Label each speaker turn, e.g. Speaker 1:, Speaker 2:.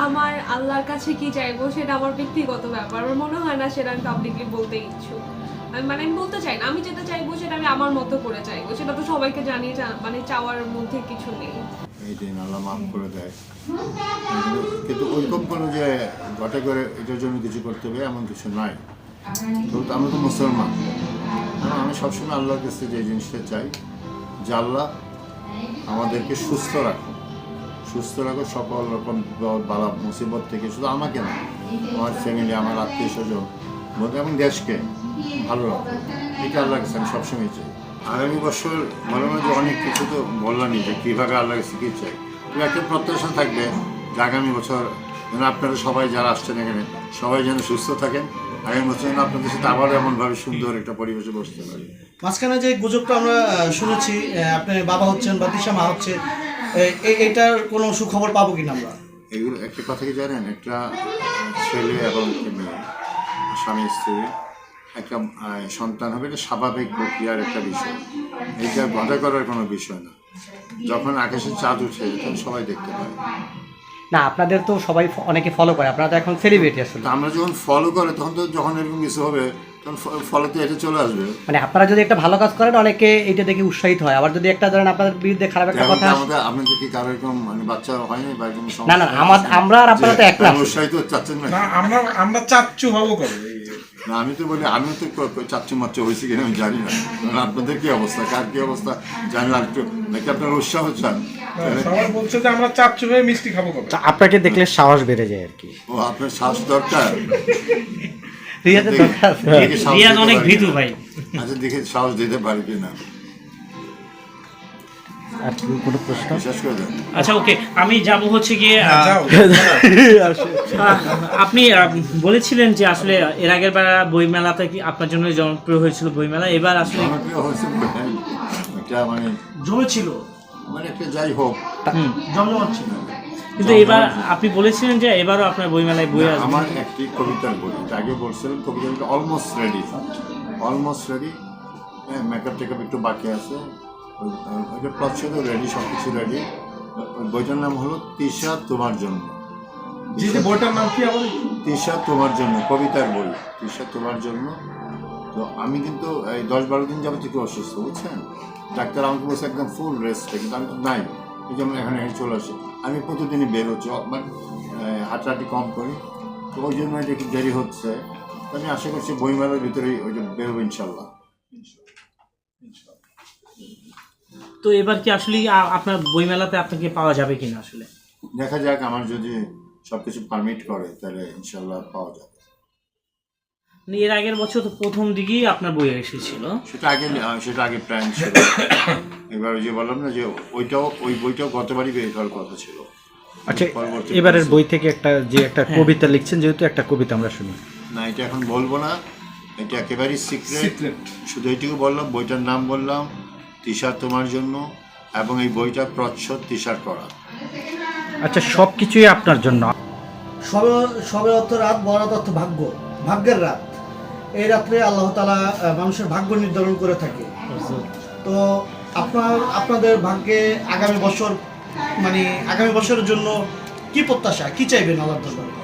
Speaker 1: আমার আল্লাহর কাছে কি চাইবো সেটা আমার ব্যক্তিগত ব্যাপার। আমার মনে হয় না সেটা আমি পাবলিকলি বলতে ইচ্ছুক। আমি বলতে চাই না, আমি যেটা চাইবো সেটা আমি আমার মতো করে চাইবো, সেটা তো সবাইকে জানিয়ে মানে চাওয়ার মধ্যে কিছু নেই।
Speaker 2: এই দিন আল্লাহ মাফ করে দেয়, কিন্তু ওইরকম কোনো যে ঘটে করে এটার জন্য কিছু করতে হবে এমন কিছু নাই। তো আমরা তো মুসলমান, আমি সবসময় আল্লাহর কাছে যে জিনিসটা চাই যে আল্লাহ আমাদেরকে সুস্থ রাখো, সকল রকম বালা মুসিবত থেকে, শুধু আমাকে না, আমার ফ্যামিলি, আমার আত্মীয় স্বজন এবং দেশকে ভালো রাখো, এটা আল্লাহর কাছে আমি সবসময় চাই। আগামী বছর মনে হয় যে অনেক কিছু তো বললামই যে কীভাবে আল্লাহর কাছে কী চাই, কিন্তু একটা প্রত্যাশা থাকবে যে আগামী বছর যেন আপনারা সবাই যারা আসছেন এখানে সবাই যেন সুস্থ থাকেন, আগামী বছর যেন আপনাদের সাথে আবার এমনভাবে সুন্দর একটা পরিবেশে বসতে পারি।
Speaker 3: মাঝখানে যে গুজবটা আমরা শুনেছি আপনি বাবা হচ্ছেন বা দিশা মা হচ্ছে, এটার কোনো সুখবর পাবো কিনা আমরা?
Speaker 2: এগুলো একটা কথা কি জানেন, একটা ছেলে এবং মেয়ে, স্বামী স্ত্রী একটা সন্তান হবে, এটা স্বাভাবিক প্রক্রিয়ার একটা বিষয়, এটা বাধা করার কোনো বিষয় না। যখন আকাশে চাঁদ উঠে তখন সবাই দেখতে পায়।
Speaker 4: না, আপনাদের তো সবাই অনেকে ফলো করে, আপনারা তো এখন সেলিব্রিটি আসলে।
Speaker 2: আমরা যখন ফলো করে তখন তো যখন এরকম কিছু হবে তখন ফলো তো এটা চলে আসবে।
Speaker 4: মানে আপনারা যদি একটা ভালো কাজ করেন অনেকে এইটা দেখে উৎসাহিত হয়, আবার যদি একটা ধরেন আপনাদের বিরুদ্ধে খারাপ একটা কথা
Speaker 2: আপনাদের কি কারো এরকম মানে বাচ্চা হয়নি বা এরকম?
Speaker 4: না না, আমরা আর আপনারা তো এক না।
Speaker 2: উৎসাহিত চাচ্ছেন না?
Speaker 5: আমরা চাচ্ছু হবো কবে?
Speaker 2: না, আমি তো বলি আমি তো চাচ্ছু মাচ্চু হয়েছি কিনা আমি জানি না, আপনাদের কি অবস্থা, কার কি অবস্থা জানি না, একটু নাকি আপনার উৎসাহ চান?
Speaker 5: সবাই বলছে যে আমরা চাচ্ছু হয়ে মিষ্টি খাবো কবে।
Speaker 4: আপনাকে দেখলে সাহস বেড়ে যায় আর কি।
Speaker 2: ও, আপনার সাহস দরকার।
Speaker 4: রিয়াদের দরকার।
Speaker 6: রিয়াদ অনেক ভীতু ভাই।
Speaker 2: আচ্ছা, দেখে সাহস দিতে পারি কিনা।
Speaker 4: আর কি কোনো প্রশ্ন?
Speaker 2: বিশ্বাস করে দেন।
Speaker 6: আচ্ছা ওকে, আমি যাব হচ্ছে গিয়ে আপনি বলেছিলেন যে আসলে এর আগের বার বইমেলাতে কি আপনার জন্য জনপ্রিয় হয়েছিল বইমেলা, এবার আসলে
Speaker 2: জনপ্রিয় হয়েছে এটা মানে
Speaker 3: জমেছিল,
Speaker 2: মানে একটা যাই হোক
Speaker 3: জমজমাট ছিল।
Speaker 6: কিন্তু এবার আপনি বলেছিলেন যে এবারও আপনার বইমেলায় বই আসবে।
Speaker 2: আমার একটি কবিতার বই, আগে বলছিলাম কবিতাটা অলমোস্ট রেডি, হ্যাঁ, মেকআপ টেকআপ একটু বাকি আছে, ওইটা প্রচ্ছদও রেডি, সব কিছু রেডি। ওই বইটার নাম হলো তিশা তোমার জন্য।
Speaker 5: বইটার নাম কি? আমার
Speaker 2: তিশা তোমার জন্য, কবিতার বই, তিশা তোমার জন্য। তো আমি কিন্তু এই 10-12 দিন যাবত একটু অসুস্থ, বুঝছেন, ডাক্তার আমাকে বলছে একদম ফুল রেস্টে, কিন্তু আমি তো নাই, এই জন্য এখানে চলে আসি। আমি প্রতিদিনই বের হচ্ছি, মানে হাঁটাহাঁটি কম করি, তো ওই জন্য এটা একটু দেরি হচ্ছে। তো আমি আশা করছি বইমেলার ভিতরেই ওইটা বেরোবো ইনশাল্লাহ।
Speaker 6: তো এবার কি আসলে আপনার বইমেলাতে আপনাকে পাওয়া যাবে কিনা আসলে
Speaker 2: দেখা যাক, আমার যদি সবকিছু পারমিট করে তাহলে ইনশাল্লাহ পাওয়া যাবে।
Speaker 6: এর আগের বছর তো প্রথম দিকেই আপনার বই এসেছিল,
Speaker 2: সেটা আগে প্ল্যান ছিল। এবার যে বললাম না যে ওই বইটাও গতবারই বের হওয়ার কথা ছিল।
Speaker 4: আচ্ছা, এবারের বই থেকে একটা কবিতা লিখছেন, যেহেতু একটা কবিতা আমরা শুনি।
Speaker 2: না, এটা এখন বলবো না, এটা একেবারেই সিক্রেট। শুধু এইটুকু বললাম, বইটার নাম বললাম তিশা তোমার জন্য, এবং এই বইটা প্রচ্ছদ তিশার করা।
Speaker 4: আচ্ছা, সব কিছুই আপনার জন্য।
Speaker 3: সবে অর্থ রাত, বরাত অর্থ ভাগ্য, ভাগ্যের রাত। এই রাত্রে আল্লাহ তাআলা মানুষের ভাগ্য নির্ধারণ করে থাকে। তো আপনাদের ভাগ্যে আগামী বছরের জন্য কি প্রত্যাশা, কি চাইবেন আল্লাহর দরবারে?